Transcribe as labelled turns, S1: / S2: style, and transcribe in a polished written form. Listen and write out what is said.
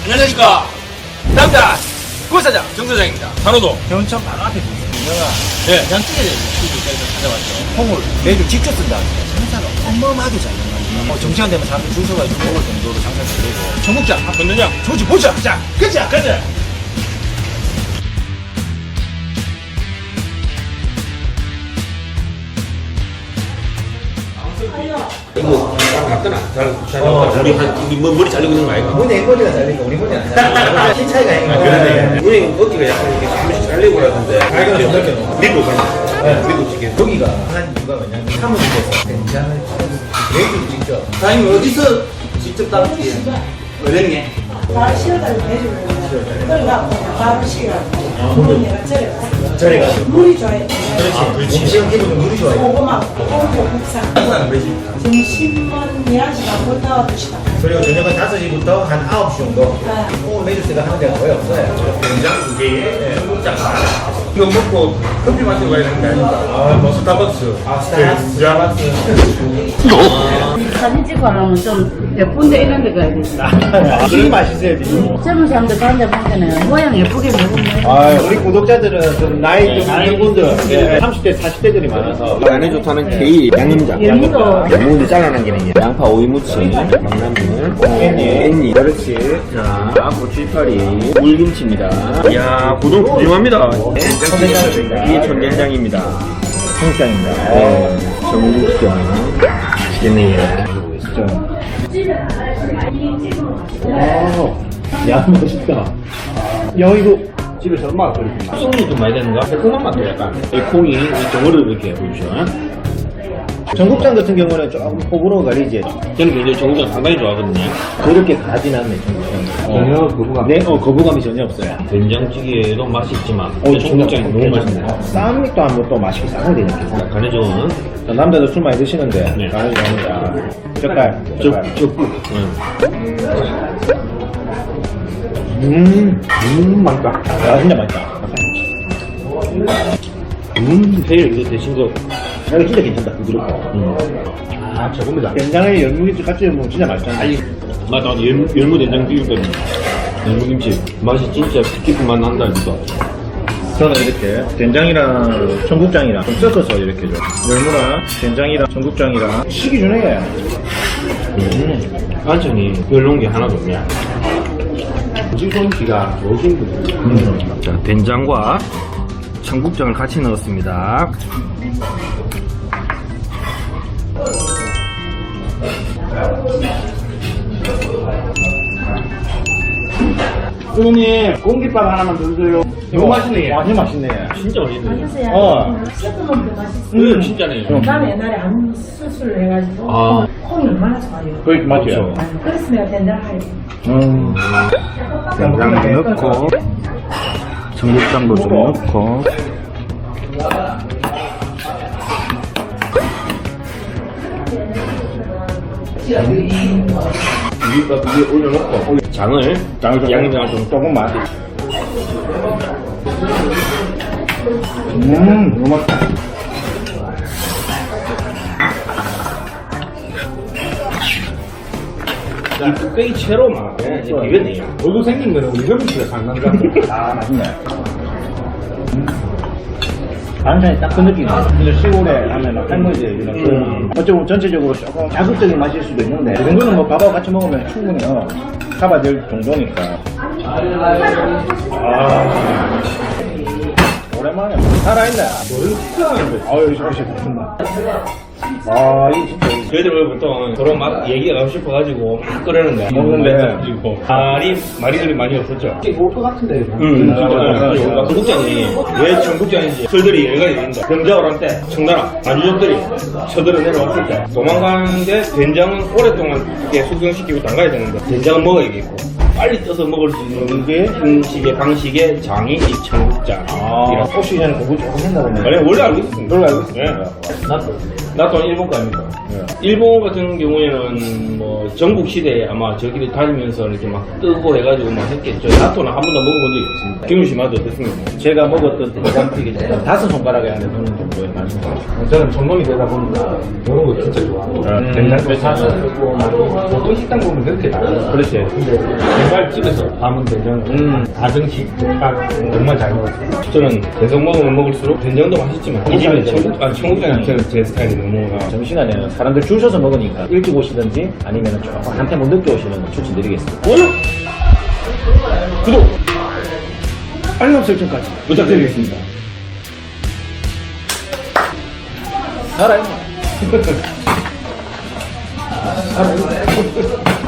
S1: 안녕하십니까. 남자 구사장 정사장입니다. 산호도
S2: 경천 바로 앞에 있습니다.
S1: 예.
S2: 양쪽에 스튜디오에서 찾아왔죠. 콩을 매주 직접 쓴다. 장사가 어마어마하게 잘 나가요. 정시간 되면 사람들 줄 서가지고 먹을 정도로 장사를 되고. 전국장
S1: 건너장
S2: 조지 보자. 자, 가자.
S1: 가자. 이거 잘 갔더나? 잘 우리 머리 잘리고 있는 거 아이가?
S2: 문에 머리가 잘리니까 우리 머리는 안 잘리니까 키 차이가 있는
S1: 그러네. 우리 어깨가 약간 이렇게 한 번씩 잘리고 그러던데. 밀고 가는 밀고 치게.
S2: 여기가 한 이유가 뭐냐면 사무실에서 된장을 매주 직접
S3: 사장님 어디서 직접 따르지? 어렵네.
S4: 바로 시어달라고 해주는 거야. 그러니까 바로 시어가지고 물은 내가 절여가지고
S2: 저래가지고
S4: 물이 좋아요.
S2: 그렇지. 음식은 기본은 물이 좋아요.
S4: 고구마고 고구 국산 점심은 11시간 못 나와주시다.
S2: 그리고 저녁은 5시부터 한 9시 정도. 오늘 매주 제가 하는 데가 거의 없어요.
S1: 된장 2개에 청국장 이거 먹고 커피 마시고 가야 되는 거 아닙니까? 뭐 스타벅스.
S2: 스타벅스.
S5: 사진 찍고 하려면 좀 예쁜데 이런 데 가야 돼.
S2: 술이 맛있어야지.
S5: 젊은 사람들 가는데 보면은 모양 예쁘게 먹으면
S2: 아, 우리 구독자들은 좀 나이 좀 많은 분들, 30대, 40대들이 많아서.
S6: 안에 좋다는 K 양념장.
S5: 열무도
S6: 양무도 잘라난 게 있네. 양파 오이무침, 강나물, 깻잎, 그렇지. 자, 고추파리, 물김치입니다. 이야, 고동 푸짐합니다. 이게 전된장입니다.
S2: 청국장입니다.
S6: 네, 전국장. 맛있겠네요.
S2: 야, 멋있다. 야, 이거 집에서 엄마가 끓였구나.
S1: 소금이 좀 많이 되는가? 새콤한 맛도 약간. 이 콩이 이 덩어리를 이렇게 보이죠?
S2: 전국장 같은 경우는 조금 호불호 가리지.
S1: 저는 굉장히 전국장 상당히 좋아하거든요.
S2: 그렇게 가진 않네, 전국장. 전혀 거부감. 네, 거부감이 전혀 없어요.
S1: 된장찌개도 맛이 있지만 청국장이 너무 맛있네요.
S2: 쌈도 한번 또 맛있게 싸야 되니까.
S1: 간에 좋은
S2: 남자들 술 많이 드시는데,
S1: 네.
S2: 간이 좋습니다. 젓갈.
S1: 적국.
S2: 맛있다. 야, 진짜 맛있다.
S1: 회를 이거 대신 거.
S2: 이거 진짜 괜찮다, 부드럽고.
S1: 아, 저겁니다.
S2: 된장에 열무김치 같이 먹으면 진짜 맛있잖아.
S1: 맞아, 열무 된장 비빔밥이 열무김치 맛이 진짜 깊은 맛 난다 이거.
S2: 저는 이렇게 된장이랑 청국장이랑 좀 섞어서 이렇게 줘. 열무랑 된장이랑 청국장이랑 식이 주네.
S1: 반찬이 별로인 게 하나도 없냐. 찌개가 좋으신 분들.
S6: 자, 된장과 청국장을 같이 넣었습니다.
S2: 어머니, 공깃밥 하나만 더 주세요.
S1: 이거 맛있네.
S2: 완전 맛있네.
S1: 진짜 맛있네.
S4: 맛있어요. 섞으면 더 맛있어요.
S1: 진짜네.
S4: 나는 옛날에 암 수술을 해가지고
S1: 아.
S4: 콩이 얼마나 좋아요.
S2: 그게 맞죠?
S4: 그래서 내가 된장 하려.
S6: 된장도 넣고, 청국장도 좀 넣고.
S1: 비빔밥 위에 올려놓고 장을 양념장을 좀
S2: 조금만. 너무 맛있다.
S1: 이 뚝배기 채로 막 비벼내요.
S2: 얼굴 생긴 거는 우리 형님 집에 상난다. 아, 맛있네. 반찬이 딱 그 느낌이야. 근데 시골에 하면 할머니들 이런 어쩌면 전체적으로 조금 자극적인 맛일 수도 있는데 이 정도는 뭐 밥하고 같이 먹으면 충분히 커버될 정도니까. 오랜만에 살아있네. 머리 식사하는데. 아유, 역시 맛있다. 아, 이 진짜.
S1: 저희들 보통 그런 막 얘기가 하고 싶어가지고 막 끓이는데
S2: 먹는데.
S1: 말이들이 많이 없었죠.
S2: 올것 같은데.
S1: 진짜. 청국장이 왜 청국장인지 설들이 여러 가지 있는데 병자호를 할 때 청나라 만주족들이 쳐들어 내려왔을 때 도망가는 게 된장은 오랫동안 이렇게 숙성시키고 담가야 되는데 된장은 먹어야겠고 빨리 떠서 먹을 수 있는 게 음식의 방식의 장이 이 청국장.
S2: 혹시 전에 공부 조금 했나 보네.
S1: 원래 알고 있었습니다.
S2: 원래 알고 있었어요.
S1: 네. 나토는 일본 거 아닙니까? 일본 같은 경우에는 뭐 전국 시대에 아마 저기를 다니면서 이렇게 막 뜨고 해가지고 막 했겠죠. 나토는 한 번도 먹어본 적이 없습니다. 김윤 씨 맛도 어떻습니까?
S2: 제가 먹었던 된장찌개 중에 5손가락에 안에 드는 정도의 맛입니다.
S1: 저는 전놈이 되다 보니까 이런 거 진짜 좋아하고 된장도 사서 쓰고 보통 식당 보면 그렇게 나와요.
S2: 그렇지.
S1: 근데 정말 집에서 담은 된장은 가정식 딱 정말 잘 먹었어요. 저는 계속 먹으면 먹을수록 된장도 맛있지만 이 집에 청국장이 제 스타일이 너무
S2: 점심시간에는 사람들 줄 서서 먹으니까 일찍 오시든지 아니면 조금 한테 못 늦게 오시는 거 추천드리겠습니다.
S1: 좋아요! 구독! 알람 설정까지 부탁드리겠습니다.
S2: 알아요.
S1: 알아요.